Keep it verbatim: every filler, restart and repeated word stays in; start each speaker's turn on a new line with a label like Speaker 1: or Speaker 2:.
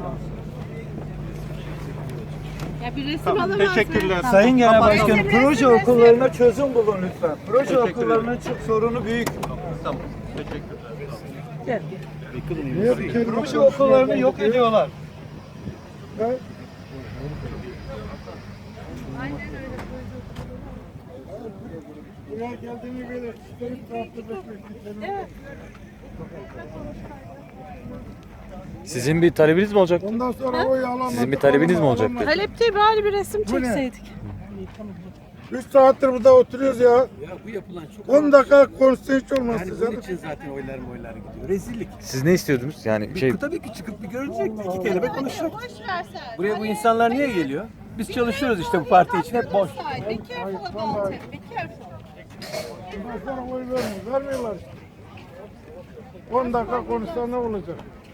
Speaker 1: Ya bir resim tamam, alamaz
Speaker 2: teşekkürler.
Speaker 1: mı?
Speaker 3: Sayın Genel
Speaker 2: Tamam.
Speaker 3: Başkanım,
Speaker 1: Resim,
Speaker 3: proje
Speaker 1: resim, resim.
Speaker 3: okullarına çözüm bulun lütfen. Proje
Speaker 2: Teşekkür
Speaker 3: okullarının çok sorunu büyük.
Speaker 2: Tamam. Teşekkürler.
Speaker 3: Proje okullarını yok ediyorlar.
Speaker 4: Buraya geldiğini böyle çıkarıp tartışmak
Speaker 1: Evet.
Speaker 5: Sizin bir talebiniz mi olacak?
Speaker 4: Ondan sonra oy alamadık.
Speaker 5: Sizin bir talebiniz mi olacak?
Speaker 1: Talep değil, bari bir resim
Speaker 4: Bu ne?
Speaker 1: çekseydik.
Speaker 4: üç saattir burada oturuyoruz ya.
Speaker 6: Ya bu yapılan çok
Speaker 4: on dakika konuşsa hiç olmaz
Speaker 6: yani
Speaker 4: size.
Speaker 6: bunun için zaten oylar oylar gidiyor. Rezillik.
Speaker 5: Siz ne istiyordunuz? Yani
Speaker 6: Bir,
Speaker 5: şey
Speaker 6: tabii ki çıkıp bir görecekti. İki kelime konuşacak.
Speaker 1: Boş versen.
Speaker 6: Buraya bu insanlar niye geliyor? Biz çalışıyoruz işte bu parti için hep boş.
Speaker 1: Be careful about it. Be careful.
Speaker 4: Ondan sonra oy vermiyor. Vermiyorlar işte. on dakika konuşsa ne olacak?